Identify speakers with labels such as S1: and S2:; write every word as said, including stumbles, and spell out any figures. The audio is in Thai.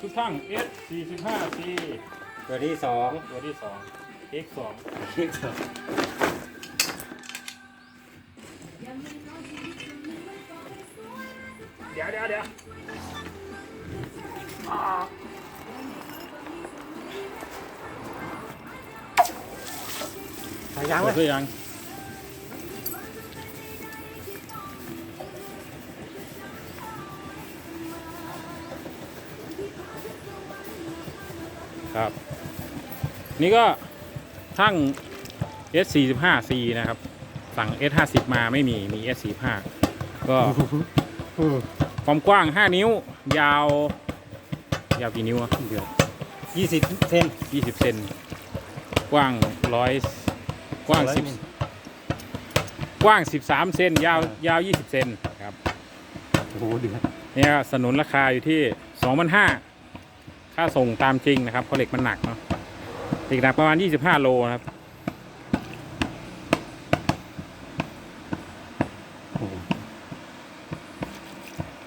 S1: ทุกช่าง เอส สี่สิบห้า ซี
S2: ตัวที่สอง
S1: ตัวที่สอง เอ็กซ์ สอง
S2: ที่สอง
S1: เดี๋ยวเดี๋ยวเดี๋ยว
S2: สายยางไหม
S1: เปิดยังครับ นี่ก็ช่าง เอส สี่สิบห้า ซี นะครับ สั่ง เอส ห้าสิบ มาไม่มี มี เอส สี่สิบห้า ก็ความกว้าง ห้า นิ้ว ยาว ยาวกี่นิ้วอะเดี๋ยว
S2: ยี่สิบเซน
S1: ยี่สิบ เซน กว้างร้อยกว้างสิบกว้างสิบสามเซน ยาวยาวยี่สิบเซนครับ
S2: โอ้โหเดือด
S1: เนี่ยสนุนราคาอยู่ที่ สองพันห้าร้อย ค่าส่งตามจริงนะครับเพราะเหล็กมันหนักเนาะเหล็กหนักประมาณยี่สิบห้าโลนะครับ